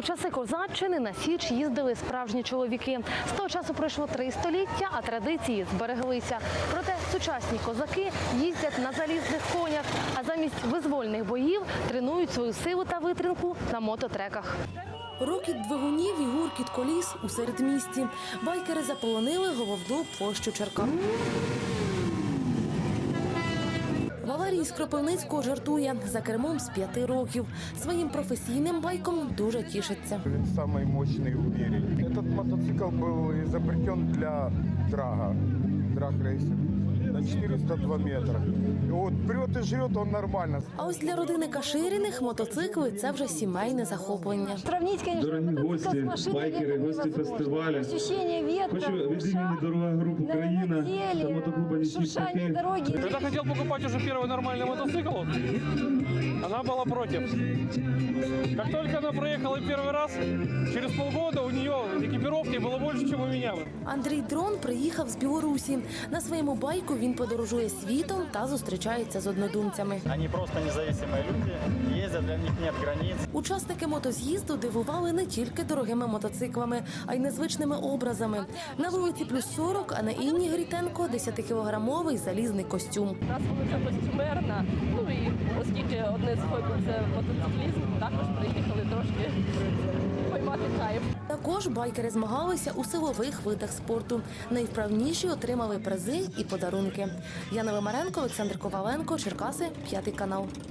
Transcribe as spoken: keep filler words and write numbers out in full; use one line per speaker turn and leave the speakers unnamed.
У часи козаччини на Січ їздили справжні чоловіки. З того часу пройшло три століття, а традиції збереглися. Проте сучасні козаки їздять на залізних конях, а замість визвольних боїв тренують свою силу та витримку на мототреках. Рокіт двигунів і гуркіт коліс у середмісті. Байкери заполонили головну площу Черкас. Валерій з Кропивницького жартує, за кермом з п'яти років. Своїм професійним байком дуже тішиться.
Він самий мощний у мірі. Цей мотоцикл був изобретен для драга, драг-рейсинг на чотириста два метри. От прет і жрет він нормально.
А ось для родини Каширіних мотоцикли – це вже сімейне захоплення.
Дорогі гості, байкери, гості фестивалю. Хочу від імені «Дорога група Україна» та мотоклуба «Нічні птахи».
Когда хотел покупать уже первый нормальный мотоцикл, она была против. Как только она проехала первый раз, через полгода у нее экипировки было больше, чем у меня.
Андрій Дрон приїхав з Білорусі. На своєму байку він подорожує світом та зустрічається з однодумцями.
Вони просто незалежні люди, їздять, для них немає границь.
Учасники мотоз'їзду дивували не тільки дорогими мотоциклами, а й незвичними образами. На вулиці Плюс сорок, а на Інні Грітенко десятикілограмовий залізний костюм.
У нас вулиця костюмерна, ну і оскільки одне з хобі – це мотоциклізм, також приїхали трошки поймати кайф.
Також байкери змагалися у силових видах спорту. Найвправніші отримали призи і подарунки. Яна Вимаренко, Олександр Коваленко, Черкаси, п'ятий канал.